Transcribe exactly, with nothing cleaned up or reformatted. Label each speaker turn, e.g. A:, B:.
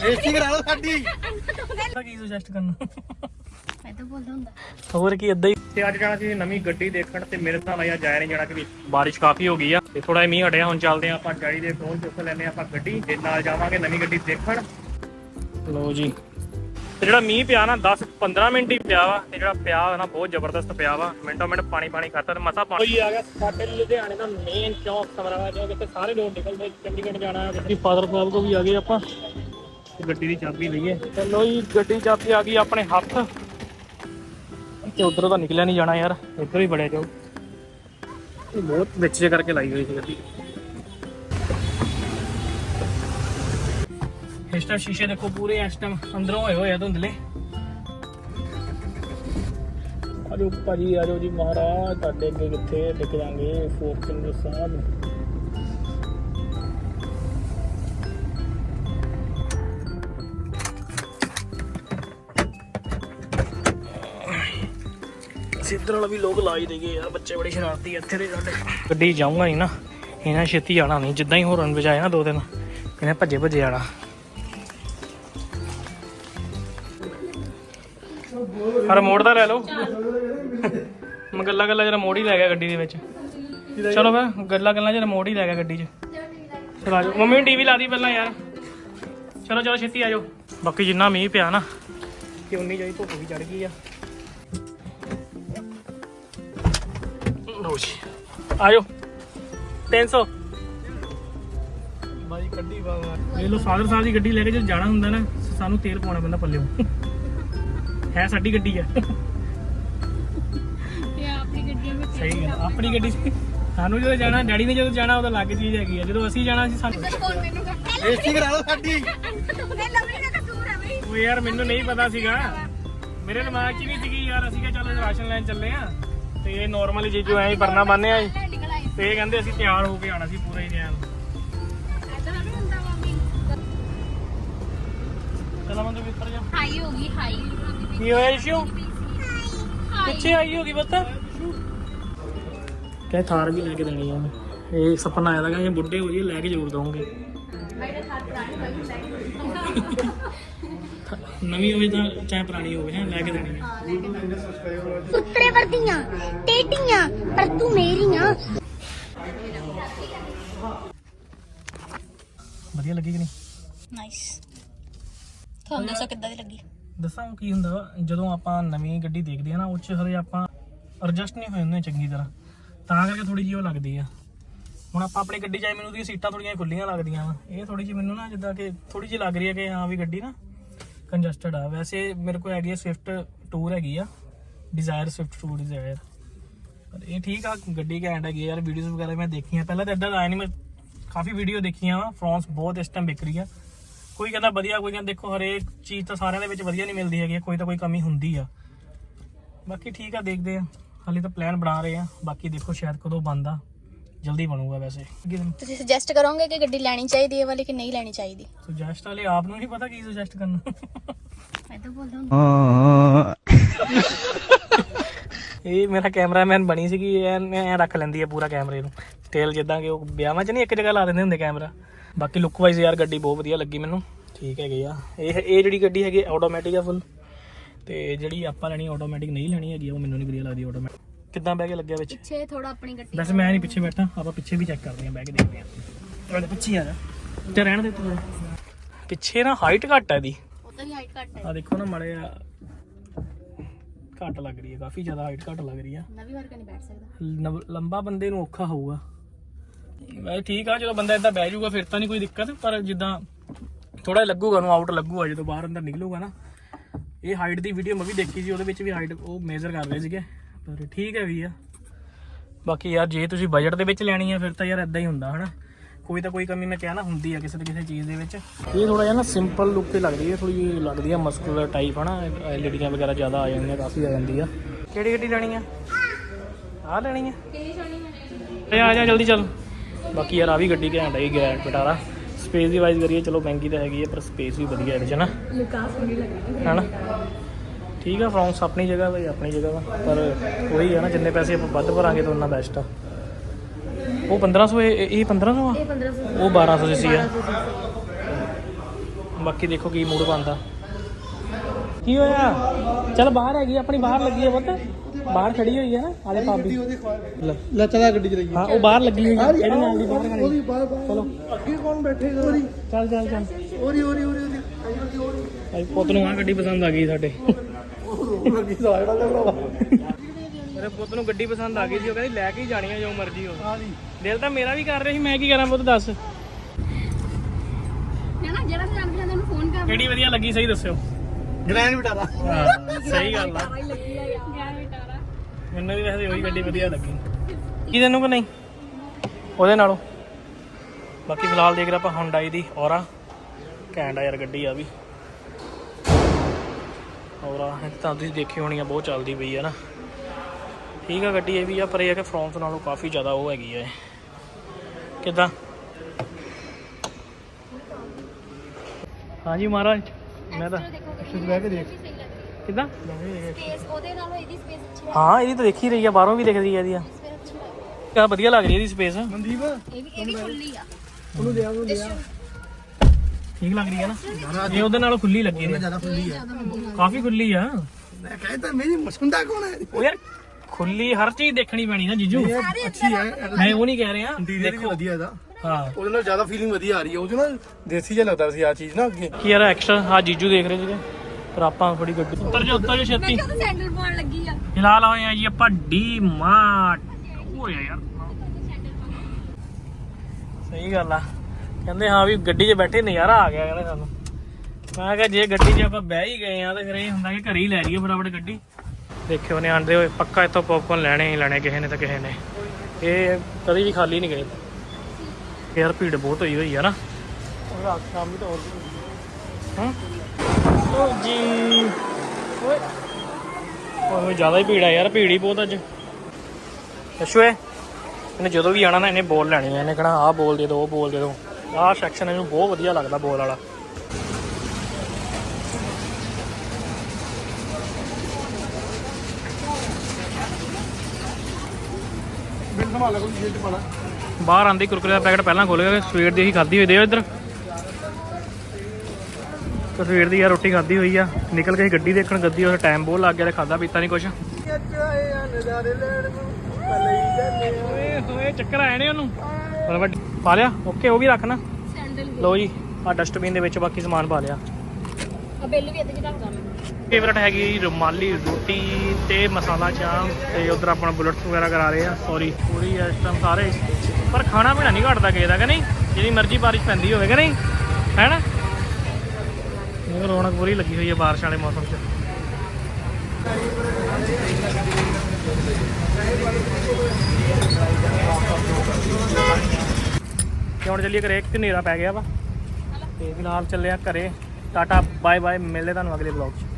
A: Racing ਕਰਾ ਲਓ ਸਾਡੀ।
B: ਕੀ ਸੁਜੈਸਟ ਕਰਨਾ
C: ਮੈਂ ਤਾਂ ਬੋਲਦਾ ਹੁੰਦਾ
B: ਹੋਰ ਕੀ ਇਦਾਂ ਹੀ। ਤੇ ਅੱਜ ਜਾਣਾ ਸੀ ਨਵੀਂ ਗੱਡੀ ਦੇਖਣ ਤੇ ਮੇਰੇ ਨਾਲ ਆਇਆ ਜਾਇਆ ਨਹੀਂ ਜਾਣਾ ਕਿ ਬਾਰਿਸ਼ ਕਾਫੀ ਹੋ ਗਈ ਆ ਤੇ ਥੋੜਾ ਮੀਂਹ ਹਟਿਆ। ਹੁਣ ਚੱਲਦੇ ਆ ਆਪਾਂ ਡੈਡੀ ਦੇ ਕੋਲ, ਉੱਥੇ ਲੈਣੇ ਆਪਾਂ ਗੱਡੀ ਤੇ ਨਾਲ ਜਾਵਾਂਗੇ ਨਵੀਂ ਗੱਡੀ ਦੇਖਣ। ਲੋ ਜੀ, ਤੇ ਜਿਹੜਾ ਮੀਂਹ ਪਿਆ ਨਾ ਦਸ ਪੰਦਰਾਂ ਮਿੰਟ ਹੀ ਪਿਆ ਵਾ ਤੇ ਜਿਹੜਾ ਪਿਆ ਨਾ ਬਹੁਤ ਜ਼ਬਰਦਸਤ ਪਿਆ ਵਾ। ਮਿੰਟੋ ਮਿੰਟ ਪਾਣੀ ਪਾਣੀ ਖਾਤਾ ਤੇ ਮਸਾ ਪਾਣੀ ਆ ਗਿਆ। ਸਾਡੇ ਲੁਧਿਆਣੇ ਦਾ ਮੇਨ ਚੌਕ ਸਮਰਾਵਾ ਚੌਕ, ਇੱਥੇ ਸਾਰੇ ਲੋਕ ਨਿਕਲਦੇ ਚੰਡੀਗੜ੍ਹ ਜਾਣਾ। ਗੱਡੀ ਫਾਦਰ ਸਾਹਿਬ ਕੋ ਵੀ ਆ ਗਏ ਆਪਾਂ ਤੇ ਗੱਡੀ ਦੀ ਚਾਬੀ ਲਈਏ। ਚਲੋ ਜੀ, ਗੱਡੀ ਚਾਬੀ ਆ ਗਈ ਆਪਣੇ ਹੱਥ ਤੇ ਉਧਰੋਂ ਤਾਂ ਨਿਕਲਿਆ ਨਹੀਂ ਜਾਣਾ ਯਾਰ, ਇੱਧਰ ਹੀ ਬੜਿਆ ਜਾਓ। ਬਹੁਤ ਵਿੱਚ ਜੇ ਕਰਕੇ ਲਾਈ ਹੋਈ ਸੀ ਗੱਡੀ। ਇਸ ਟਾਈਮ ਸ਼ੀਸ਼ੇ ਦੇਖੋ ਪੂਰੇ ਇਸ ਟਾਈਮ ਅੰਦਰੋਂ ਹੋਏ ਹੋਏ ਆ ਧੁੰਦਲੇ। ਆਜੋ ਭਾਜੀ ਆਜੋ ਜੀ ਮਹਾਰਾਜ, ਤੁਹਾਡੇ ਅੱਗੇ ਕਿੱਥੇ ਟਿਕ ਜਾਵਾਂਗੇ ਫੋਕ ਸਿੰਘ ਸਾਹਿਬ। ਇੱਧਰ ਵਾਲਾ ਵੀ ਲੋਕ ਲਾ ਹੀ ਦੇਗੇ ਯਾਰ, ਬੱਚੇ ਬੜੇ ਸ਼ਰਾਰਤੀ ਇੱਥੇ ਦੇ ਸਾਡੇ। ਗੱਡੀ ਜਾਊਂਗਾ ਨਹੀਂ ਨਾ ਇਹਨਾਂ ਛੇਤੀ ਆਣਾ ਨਹੀਂ, ਜਿੱਦਾਂ ਹੀ ਹੋਰਨ ਵਜਾਇਆ ਨਾ ਦੋ ਦਿਨ ਇਹਨੇ ਭੱਜੇ ਭੱਜੇ ਆਣਾ। ਹਰ ਮੋੜ ਦਾ ਲੈ ਲਓ। ਮੈਂ ਗੱਲਾਂ ਗੱਲਾਂ ਜਰਾ ਮੋੜ ਹੀ ਲੈ ਗਿਆ ਗੱਡੀ ਦੇ ਵਿੱਚ। ਚਲੋ ਫਿਰ ਗੱਲਾਂ ਗੱਲਾਂ ਜਰਾ ਮੋੜ ਹੀ ਲੈ ਗਿਆ ਗੱਡੀ 'ਚ। ਚਲੋ ਆ ਜਾਓ, ਮੰਮੀ ਨੂੰ ਟੀਵੀ ਲਾ ਦੀ ਪਹਿਲਾਂ ਯਾਰ। ਚਲੋ ਚਲੋ ਛੇਤੀ ਆ ਜਾਓ। ਬਾਕੀ ਜਿੰਨਾ ਮੀਂਹ ਪਿਆ ਨਾ ਕਿ ਉਨੀ ਜਾਈ ਧੁੱਪ ਵੀ ਚੜ ਗਈ ਆ। ਲੋ ਜੀ ਆ ਜਾਓ। ਤਿੰਨ ਸੌ ਬਾਈ ਗੱਡੀ ਬਾਬਾ ਇਹ ਲੋ। ਫਾਦਰ ਸਾਹਿਬ ਦੀ ਗੱਡੀ ਲੈ ਕੇ ਜਦੋਂ ਜਾਣਾ ਹੁੰਦਾ ਨਾ ਸਾਨੂੰ ਤੇਲ ਪਾਉਣਾ ਪੈਂਦਾ ਪੱਲਿਓ। ਹੈ ਸਾਡੀ ਗੱਡੀ ਆ ਸਹੀ ਗੱਲ। ਆਪਣੀ ਗੱਡੀ ਸਾਨੂੰ ਜਦੋਂ ਜਾਣਾ, ਡੈਡੀ ਨੇ ਜਦੋਂ ਜਾਣਾ ਉਹਦਾ ਅਲੱਗ ਚੀਜ਼ ਹੈਗੀ ਆ। ਜਦੋਂ ਅਸੀਂ ਜਾਣਾ ਸੀ ਸਾਨੂੰ
A: ਰੇਸਿੰਗ ਕਰਾ ਲਓ ਸਾਡੀ।
B: ਉਹ ਯਾਰ ਮੈਨੂੰ ਨਹੀਂ ਪਤਾ ਸੀਗਾ, ਮੇਰੇ ਦਿਮਾਗ 'ਚ ਹੀ ਨਹੀਂ ਸੀਗੀ ਯਾਰ। ਅਸੀਂ ਕਿਹਾ ਚੱਲ ਰਾਸ਼ਨ ਲੈਣ ਚੱਲੇ ਆ ਤੇ ਇਹ ਨੋਰਮਲੀ ਜੀਜੂ ਐਂ ਹੀ ਪਰਨਾ ਬੰਨਿਆ ਸੀ ਤੇ ਇਹ ਕਹਿੰਦੇ ਅਸੀਂ ਤਿਆਰ ਹੋ ਕੇ ਆਉਣਾ ਸੀ ਪੂਰਾ ਹੀ ਨਿਆਣ। ਚਲਾ ਮੰਦੋ ਉੱਪਰ ਜਾ।
C: ਹਾਈ ਹੋ ਗਈ ਹਾਈ।
B: ਕੀ ਹੋਇਆ ਇਸ਼ੂ? ਪਿੱਛੇ ਆਈ ਹੋਗੀ ਪਤਾ ਕਹੇ ਥਾਰ ਵੀ ਲੈ ਕੇ ਦੇਣੀ ਆ। ਇਹ ਸੁਪਨਾ ਆਇਆ ਤਾਂ ਕਿ ਬੁੱਢੇ ਹੋ ਜੀ ਲੈ ਕੇ ਜ਼ਰੂਰ ਦਵਾਂਗੇ। ਨਵੀਂ ਹੋਵੇ ਤਾਂ ਚਾਹੇ ਪੁਰਾਣੀ ਹੋਵੇ ਹੈ ਲੈ ਕੇ ਦੇਣੀ ਆ।
C: ਪੁੱਤਰੇ ਵਰਦੀਆਂ ਟੇਟੀਆਂ ਪਰ ਤੂੰ ਮੇਰੀਆਂ।
B: ਵਧੀਆ ਲੱਗੀ ਕਿ ਨਹੀਂ?
C: ਨਾਈਸ। ਤੁਹਾਨੂੰ ਦੱਸੋ ਕਿੱਦਾਂ ਦੀ ਲੱਗੀ?
B: ਦੱਸਾਂ ਕੀ ਹੁੰਦਾ ਵਾ, ਜਦੋਂ ਆਪਾਂ ਨਵੀਂ ਗੱਡੀ ਦੇਖਦੇ ਆ ਨਾ ਉਹ 'ਚ ਹਲੇ ਆਪਾਂ ਐਡਜਸਟ ਨਹੀਂ ਹੋਏ ਹੁੰਦੇ ਚੰਗੀ ਤਰ੍ਹਾਂ, ਤਾਂ ਕਰਕੇ ਥੋੜੀ ਜਿਹੀ ਉਹ ਲੱਗਦੀ ਆ। ਹੁਣ ਆਪਾਂ ਆਪਣੀ ਗੱਡੀ 'ਚ ਆਏ, ਮੈਨੂੰ ਉਹਦੀਆਂ ਸੀਟਾਂ ਥੋੜੀਆਂ ਖੁੱਲੀਆਂ ਲੱਗਦੀਆਂ ਵਾ। ਇਹ ਥੋੜੀ ਜਿਹੀ ਮੈਨੂੰ ਨਾ ਜਿੱਦਾਂ ਕਿ ਥੋੜੀ ਜਿਹੀ ਲੱਗ ਰਹੀ ਹੈ ਕਿ ਹਾਂ ਵੀ ਗੱਡੀ ਨਾ ਕੰਜਸਟਡ ਆ। ਵੈਸੇ ਮੇਰੇ ਕੋਲ ਹੈਗੀ ਆ ਸਵਿਫਟ ਟੂਰ ਹੈਗੀ ਆ, ਡਿਜ਼ਾਇਰ ਸਵਿਫਟ ਟੂਰ ਡਿਜ਼ਾਇਰ। ਪਰ ਇਹ ਠੀਕ ਆ, ਗੱਡੀ ਘੈਂਟ ਹੈਗੀ ਯਾਰ। ਵੀਡੀਓਜ਼ ਵਗੈਰਾ ਮੈਂ ਦੇਖੀਆਂ, ਪਹਿਲਾਂ ਤਾਂ ਇੱਦਾਂ ਆਇਆ ਨਹੀਂ, ਮੈਂ ਕਾਫੀ ਵੀਡੀਓ ਦੇਖੀਆਂ ਵਾ। ਫਰਾਂਸ ਬਹੁਤ ਇਸ ਟਾਈਮ ਵਿਕ ਰਹੀ ਆ। ਕੋਈ ਕਹਿੰਦਾ ਵਧੀਆ, ਕੋਈ ਕਹਿੰਦਾ ਦੇਖੋ ਹਰੇਕ ਚੀਜ਼ ਤਾਂ ਸਾਰਿਆਂ ਦੇ ਵਿੱਚ ਵਧੀਆ ਨਹੀਂ ਮਿਲਦੀ ਹੈਗੀ, ਕੋਈ ਤਾਂ ਕੋਈ ਕਮੀ ਹੁੰਦੀ ਆ। ਬਾਕੀ ਠੀਕ ਆ, ਦੇਖਦੇ ਆ। ਹਾਲੇ ਤਾਂ ਪਲਾਨ ਬਣਾ ਰਹੇ ਆ, ਬਾਕੀ ਦੇਖੋ ਸ਼ਾਇਦ ਕਦੋਂ ਬਣਦਾ, ਜਲਦੀ ਬਣੂਗਾ। ਵੈਸੇ
C: ਤੁਸੀਂ ਸੁਜੈਸਟ ਕਰੋਗੇ ਕਿ ਗੱਡੀ ਲੈਣੀ ਚਾਹੀਦੀ ਹੈ ਵਾਲੀ ਕਿ ਨਹੀਂ ਲੈਣੀ ਚਾਹੀਦੀ?
B: ਸੁਜੈਸਟ ਵਾਲੇ ਆਪ ਨੂੰ ਨਹੀਂ ਪਤਾ ਕੀ ਸੁਜੈਸਟ ਕਰਨਾ।
C: ਮੈਂ ਤਾਂ ਬੋਲਦਾ ਹੁੰਦਾ
B: ਇਹ ਮੇਰਾ ਕੈਮਰਾਮੈਨ ਬਣੀ ਸੀਗੀ, ਐ ਰੱਖ ਲੈਂਦੀ ਹੈ ਪੂਰਾ ਕੈਮਰੇ ਨੂੰ ਤੇਲ, ਜਿੱਦਾਂ ਕਿ ਉਹ ਵਿਆਹਾਂ 'ਚ ਨਹੀਂ ਇੱਕ ਜਗ੍ਹਾ ਲਾ ਦਿੰਦੇ ਹੁੰਦੇ ਕੈਮਰਾ। ਬਾਕੀ ਲੁੱਕ ਵਾਈਜ਼ ਯਾਰ ਗੱਡੀ ਬਹੁਤ ਵਧੀਆ ਲੱਗੀ ਮੈਨੂੰ, ਠੀਕ ਹੈਗੀ ਆ। ਇਹ ਇਹ ਜਿਹੜੀ ਗੱਡੀ ਹੈਗੀ ਆਟੋਮੈਟਿਕ ਆ ਫੁੱਲ, ਤੇ ਜਿਹੜੀ ਆਪਾਂ ਲੈਣੀ ਆਟੋਮੈਟਿਕ ਨਹੀਂ ਲੈਣੀ ਹੈਗੀ, ਉਹ ਮੈਨੂੰ ਨਹੀਂ ਵਧੀਆ ਲੱਗਦੀ ਆਟੋਮੈਟਿਕ। ਕਿੱਦਾਂ ਬਹਿ ਕੇ ਲੱਗਿਆ ਵਿੱਚ?
C: ਪਿੱਛੇ ਥੋੜਾ ਆਪਣੀ ਗੱਡੀ।
B: ਵੈਸੇ ਮੈਂ ਨਹੀਂ ਪਿੱਛੇ ਬੈਠਾ, ਆਪਾਂ ਪਿੱਛੇ ਵੀ ਚੈੱਕ ਕਰਦੇ ਹਾਂ, ਬਹਿ ਕੇ ਦੇਖਦੇ ਹਾਂ। ਪਿੱਛੇ ਆ ਜਾ ਤੇ ਰਹਿਣ ਦੇ ਤੂੰ। ਪਿੱਛੇ ਨਾ ਹਾਈਟ ਘੱਟ ਹੈ ਇਹਦੀ,
C: ਉਦਾਂ ਹੀ ਹਾਈਟ ਘੱਟ ਹੈ।
B: ਆ ਦੇਖੋ ਨਾ ਮਾੜੇ ਘੱਟ ਲੱਗ ਰਹੀ ਹੈ, ਕਾਫੀ ਜ਼ਿਆਦਾ ਹਾਈਟ ਘੱਟ ਲੱਗ ਰਹੀ ਆ।
C: ਨਵੀਂ ਵਰਗਾ ਨਹੀਂ ਬੈਠ ਸਕਦਾ,
B: ਲੰਬਾ ਬੰਦੇ ਨੂੰ ਔਖਾ ਹੋਊਗਾ। ਵੈਸੇ ਠੀਕ ਆ, ਜਦੋਂ ਬੰਦਾ ਏਦਾਂ ਬਹਿ ਜਾਊਗਾ ਫਿਰ ਤਾਂ ਨਹੀਂ ਕੋਈ ਦਿੱਕਤ, ਪਰ ਜਿੱਦਾਂ ਥੋੜਾ ਲੱਗੂਗਾ ਉਹਨੂੰ, ਆਊਟ ਲੱਗੂਗਾ ਜਦੋਂ ਬਾਹਰ ਅੰਦਰ ਨਿਕਲੂਗਾ ਨਾ। ਇਹ ਹਾਈਟ ਦੀ ਵੀਡੀਓ ਮੈਂ ਵੀ ਦੇਖੀ ਸੀ, ਉਹਦੇ ਵਿੱਚ ਵੀ ਹਾਈਟ ਉਹ ਮੇਜ਼ਰ ਕਰ ਰਹੇ ਸੀਗੇ, ਪਰ ਠੀਕ ਹੈ ਵੀ ਆ। ਬਾਕੀ ਯਾਰ ਜੇ ਤੁਸੀਂ ਬਜਟ ਦੇ ਵਿੱਚ ਲੈਣੀ ਆ ਫਿਰ ਤਾਂ ਯਾਰ ਇਦਾਂ ਹੀ ਹੁੰਦਾ ਹਨਾ, ਕੋਈ ਤਾਂ ਕੋਈ ਕਮੀ ਮੈਂ ਕਿਹਾ ਨਾ ਹੁੰਦੀ ਆ ਕਿਸੇ ਨਾ ਕਿਸੇ ਚੀਜ਼ ਦੇ ਵਿੱਚ। ਇਹ ਥੋੜਾ ਜਿਹਾ ਨਾ ਸਿੰਪਲ ਲੁੱਕ ਤੇ ਲੱਗਦੀ ਹੈ, ਥੋੜੀ ਜਿਹੀ ਲੱਗਦੀ ਆ ਮਸਕੂਲਰ ਟਾਈਪ ਹਨਾ, ਐਲਈਡੀਆਂ ਵਗੈਰਾ ਜ਼ਿਆਦਾ ਆ ਜਾਂਦੀਆਂ, ਕਾਫੀ ਆ ਜਾਂਦੀ ਆ। ਕਿਹੜੀ ਗੱਡੀ ਲੈਣੀ ਆ? ਆਹ ਲੈਣੀ ਆ? ਆ ਜਾ ਜਲਦੀ ਚੱਲ। ਬਾਕੀ ਯਾਰ ਆ ਵੀ ਗੱਡੀ ਘੈਂਟ ਹੈ ਗ੍ਰੈਂਡ ਵਿਟਾਰਾ। ਸਪੇਸ ਦੀ ਵਾਈਜ਼ ਕਰੀਏ ਚਲੋ ਮਹਿੰਗੀ ਤਾਂ ਹੈਗੀ ਹੈ, ਪਰ ਸਪੇਸ ਵੀ ਵਧੀਆ ਇਹਦੇ 'ਚ ਨਾ ਹੈ ਨਾ। ਠੀਕ ਆ, ਫਰਾਂਸ ਆਪਣੀ ਜਗ੍ਹਾ ਵਾ, ਆਪਣੀ ਜਗ੍ਹਾ ਵਾ, ਪਰ ਉਹੀ ਆ ਨਾ ਜਿੰਨੇ ਪੈਸੇ ਆਪਾਂ ਵੱਧ ਭਰਾਂਗੇ ਤਾਂ ਉਨਾ ਬੈਸਟ ਆ। ਉਹ ਪੰਦਰਾਂ ਸੌ, ਇਹ ਪੰਦਰਾਂ ਸੌ ਆ, ਉਹ ਬਾਰਾਂ ਸੌ ਸੀ ਆ। ਬਾਕੀ ਦੇਖੋ ਕੀ ਮੂਡ ਬਣਦਾ। ਕੀ ਹੋਇਆ? ਚੱਲ ਬਾਹਰ ਹੈਗੀ ਆਪਣੀ, ਬਾਹਰ ਲੱਗੀ ਹੈ ਪੁੱਤ, ਬਾਹਰ ਖੜੀ ਹੋਈ ਹੈ ਨਾ ਆਲੇ ਭਾਬੀ।
A: ਲੈ ਚਲਾ ਗੱਡੀ ਚਲਾਈ।
B: ਹਾਂ ਉਹ ਬਾਹਰ ਲੱਗੀ ਹੋਈ ਹੈ ਇਹਦੇ ਨਾਲ ਦੀ ਬਾਹਰ ਖੜੀ।
A: ਉਹਦੀ ਬਾਹਰ ਬਾਹਰ
B: ਚਲੋ
A: ਅੱਗੇ ਕੌਣ ਬੈਠੇ ਉਹਦੀ?
B: ਚੱਲ ਚੱਲ ਚੱਲ।
A: ਉਹਦੀ ਉਹਦੀ ਉਹਦੀ ਉਹਦੀ ਉਹਦੀ
B: ਭਾਈ ਪੁੱਤ ਨੂੰ ਆਹ ਗੱਡੀ ਪਸੰਦ ਆ ਗਈ ਸਾਡੇ।
A: ਲੱਗੀ ਸਾੜਾ ਲੈ ਭਰਾਵਾ।
B: ਮੇਰੇ ਪੁੱਤ ਨੂੰ ਗੱਡੀ ਪਸੰਦ ਆ ਗਈ ਸੀ, ਉਹ ਕਹਿੰਦੀ ਲੈ ਕੇ ਹੀ ਜਾਣੀ ਆ ਜੋ ਮਰਜ਼ੀ ਹੋ। ਦਿਲ ਤਾਂ ਮੇਰਾ ਵੀ ਕਰ ਰਿਹਾ ਸੀ, ਮੈਂ ਕੀ ਕਰਾਂ ਪੁੱਤ ਦੱਸ।
C: ਨਾ ਜਿਹੜਾ ਜਾਣ ਪਛਾਣ ਉਹਨੂੰ ਫੋਨ ਕਰ।
B: ਕਿਹੜੀ ਵਧੀਆ ਲੱਗੀ ਸਹੀ ਦੱਸਿਓ।
A: Grand Vitara.
B: ਹਾਂ ਸਹੀ ਗੱਲ ਆ,
C: ਲੱਗੀ ਆ ਯਾਰ ਵਿਟਾਰਾ।
B: ਮੈਨੂੰ ਵੀ ਵੈਸੇ ਉਹੀ ਗੱਡੀ ਵਧੀਆ ਲੱਗੀ। ਕੀ ਤੈਨੂੰ ਕਿ ਨਹੀਂ ਉਹਦੇ ਨਾਲੋਂ? ਬਾਕੀ ਫਿਲਹਾਲ ਦੇਖ ਰਹੇ ਆਪਾਂ ਹੁੰਡਾਈ ਦੀ ਔਰਾ। ਘੈਂਟ ਆ ਯਾਰ ਗੱਡੀ ਆ ਵੀ। ਔਰਾ ਤਾਂ ਤੁਸੀਂ ਦੇਖੀ ਹੋਣੀ ਆ, ਬਹੁਤ ਚੱਲਦੀ ਪਈ ਆ ਨਾ। ਠੀਕ ਆ ਗੱਡੀ ਇਹ ਵੀ ਆ, ਪਰ ਇਹ ਆ ਕਿ ਫਰੋਂਸ ਨਾਲੋਂ ਕਾਫੀ ਜ਼ਿਆਦਾ ਉਹ ਹੈਗੀ ਆ। ਕਿੱਦਾਂ? ਹਾਂਜੀ ਮਹਾਰਾਜ ਮੈਂ ਤਾਂ
A: ਬਹਿ ਕੇ ਦੇਖ
B: ਕਿੱਦਾਂ?
C: ਸਪੇਸ ਉਹਦੇ ਨਾਲੋਂ ਇਹਦੀ ਸਪੇਸ ਅੱਛੀ ਹੈ।
B: ਹਾਂ ਇਹਦੀ ਤਾਂ ਦੇਖੀ ਰਹੀ ਆ, ਬਾਹਰੋਂ ਵੀ ਦਿਖਦੀ ਆ ਇਹਦੀ।
C: ਸਪੇਸ ਅੱਛੀ ਹੈ।
B: ਕਿਆ ਵਧੀਆ ਲੱਗ ਰਹੀ ਇਹਦੀ ਸਪੇਸ।
A: ਮਨਦੀਪ
C: ਇਹ ਵੀ ਇਹ ਵੀ ਖੁੱਲੀ ਆ।
A: ਉਹਨੂੰ ਦੇ ਆ ਉਹਨੂੰ ਦੇ ਆ।
B: ਠੀਕ ਲੱਗ ਰਹੀ ਹੈ ਨਾ? ਇਹ ਉਹਦੇ ਨਾਲੋਂ ਖੁੱਲੀ ਲੱਗੀ ਰਹੀ,
A: ਜ਼ਿਆਦਾ ਖੁੱਲੀ ਹੈ।
B: ਕਾਫੀ ਖੁੱਲੀ ਆ।
A: ਮੈਂ ਕਹਿੰਦਾ ਮੇਰੀ ਮਸੁੰਦਾ ਕੌਣ ਹੈ?
B: ਉਹ ਯਾਰ ਖੁੱਲੀ ਹਰ ਚੀਜ਼ ਦੇਖਣੀ ਪੈਣੀ ਨਾ ਜੀਜੂ।
A: ਅੱਛੀ ਹੈ।
B: ਮੈਂ ਉਹ ਨਹੀਂ ਕਹਿ ਰਿਹਾ।
A: ਇੰਟੀਰੀਅਰ ਵੀ ਵਧੀਆ ਇਹਦਾ।
B: ਹਾਂ
A: ਉਹਦੇ ਨਾਲ ਜ਼ਿਆਦਾ ਫੀਲਿੰਗ ਵਧੀਆ ਆ ਰਹੀ ਹੈ। ਉਹ ਨਾ ਦੇਸੀ ਜਿਹਾ ਲੱਗਦਾ ਸੀ ਆ ਚੀਜ਼ ਨਾ ਅੱਗੇ।
B: ਕੀ ਯਾਰ ਐਕਸਟਰਾ ਆ ਜੀਜੂ ਦੇਖ ਰਹੇ ਸੀਗੇ, ਪਰ ਆਪਾਂ ਥੋੜੀ ਗੱਡੀ ਉੱਤਰ ਜਾ ਉੱਤਰ ਜਾ ਛੇਤੀ।
C: ਮੈਂ ਕਿਹਾ ਸੈਂਡਲ ਪਾਉਣ ਲੱਗੀ ਆ।
B: ਫਿਲਹਾਲ ਆਏ ਆ ਜੀ ਆਪਾਂ ਡੀ ਮਾਰਟ। ਉਹ ਯਾਰ ਸਹੀ ਗੱਲ ਆ, ਕਹਿੰਦੇ ਹਾਂ ਵੀ ਗੱਡੀ 'ਚ ਬੈਠੇ ਨਜ਼ਾਰਾ ਆ ਗਿਆ ਕਹਿੰਦੇ ਸਾਨੂੰ। ਮੈਂ ਕਿਹਾ ਜੇ ਗੱਡੀ 'ਚ ਆਪਾਂ ਬਹਿ ਹੀ ਗਏ ਆ ਤਾਂ ਫਿਰ ਇਹ ਹੁੰਦਾ ਕਿ ਘਰੇ ਹੀ ਲੈ ਲਈਏ ਫਟਾਫਟ ਗੱਡੀ। ਦੇਖਿਓ ਨੇ ਆਂਦੇ ਹੋਏ ਪੱਕਾ ਇੱਥੋਂ ਪੌਪਕੌਰਨ ਲੈਣੇ ਹੀ ਲੈਣੇ ਕਿਸੇ ਨੇ ਤਾਂ ਕਿਸੇ ਨੇ। ਇਹ ਕਦੀ ਵੀ ਖਾਲੀ ਨਹੀਂ ਗਏ ਯਾਰ, ਭੀੜ ਬਹੁਤ ਹੋਈ ਹੋਈ ਆ ਨਾ। ਰਾਤ ਸ਼ਾਮੀ ਤਾਂ ਹੋਰ ਵੀ ਹਾਂ ਉਹ ਜੀ ਓਏ ਓਏ ਜ਼ਿਆਦਾ ਹੀ ਭੀੜ ਆ ਯਾਰ, ਭੀੜ ਹੀ ਬਹੁਤ ਅੱਜ। ਅਸ਼ੂਏ ਇਹਨੇ ਜਦੋਂ ਵੀ ਆਣਾ ਨਾ ਇਹਨੇ ਬੋਲ ਲੈਣੀ ਆ, ਇਹਨੇ ਕਹਣਾ ਆਹ ਬੋਲ ਦੇ ਦਿਓ ਉਹ ਬੋਲ ਦੇ ਦਿਓ। ਆਹ ਸੈਕਸ਼ਨ ਇਹਨੂੰ ਬਹੁਤ ਵਧੀਆ ਲੱਗਦਾ ਬੋਲ ਵਾਲਾ।
A: ਸੰਭਾਲ ਲੈ ਕੋਈ ਜੇਲ੍ਹ 'ਚ ਪਾਣਾ।
B: ਬਾਹਰ ਆਂਦੇ ਕੁਰਕਰੇ ਦਾ ਪੈਕਟ ਪਹਿਲਾਂ ਖੋਲ ਗਿਆ, ਸਵੇਰ ਦੀ ਹੀ ਖਾਧੀ ਹੋਈ ਦੇ ਇੱਧਰ। ਸਵੇਰ ਦੀ ਯਾਰ ਰੋਟੀ ਖਾਧੀ ਹੋਈ ਆ, ਨਿਕਲ ਕੇ ਗੱਡੀ ਦੇਖਣ ਗੱਡੀ ਉਹ ਟਾਈਮ ਬਹੁਤ ਲੱਗ ਗਿਆ ਤੇ ਖਾਧਾ ਪੀਤਾ ਨਹੀਂ ਕੁਛ। ਓਏ ਹੋਏ ਚੱਕਰ ਆਏ ਨੇ ਉਹਨੂੰ। ਪਾ ਲਿਆ ਓਕੇ, ਉਹ ਵੀ ਰੱਖਣਾ।
C: ਸੈਂਡਲ
B: ਲਓ ਜੀ ਆ ਡਸਟਬਿਨ ਦੇ ਵਿੱਚ ਬਾਕੀ ਸਮਾਨ ਪਾ ਲਿਆ।
C: ਆ ਬਿੱਲ ਵੀ ਇੱਥੇ ਰੱਖ ਦਾਂ।
B: ਫੇਵਰਟ ਹੈਗੀ ਰੁਮਾਲੀ ਰੋਟੀ ਤੇ ਮਸਾਲਾ ਚਾਹ, ਤੇ ਉਧਰ ਆਪਣਾ ਬੁਲਟਸ ਵਗੈਰਾ ਕਰਾ ਰਹੇ ਆ। ਸੌਰੀ ਪੂਰੀ ਇਸ ਟਾਈਮ ਸਾਰੇ, ਪਰ ਖਾਣਾ ਪੀਣਾ ਨਹੀਂ ਘਟਦਾ ਕਿਸੇ ਦਾ ਕਿ ਨਹੀਂ, ਜਿੰਨੀ ਮਰਜ਼ੀ ਬਾਰਿਸ਼ ਪੈਂਦੀ ਹੋਵੇ ਕਿ ਨਹੀਂ ਹੈ ਨਾ। ਇਹ ਰੌਣਕ ਪੂਰੀ ਲੱਗੀ ਹੋਈ ਹੈ ਬਾਰਿਸ਼ ਵਾਲੇ ਮੌਸਮ 'ਚ। ਤੇ ਹੁਣ ਚੱਲੀਏ ਘਰੇ, ਇੱਕ ਹਨੇਰਾ ਪੈ ਗਿਆ ਵਾ ਤੇ ਫਿਲਹਾਲ ਚੱਲੇ ਆ ਘਰੇ। ਟਾਟਾ ਬਾਏ ਬਾਏ, ਮਿਲਦੇ ਤੁਹਾਨੂੰ ਅਗਲੇ ਵਲੌਗ 'ਚ।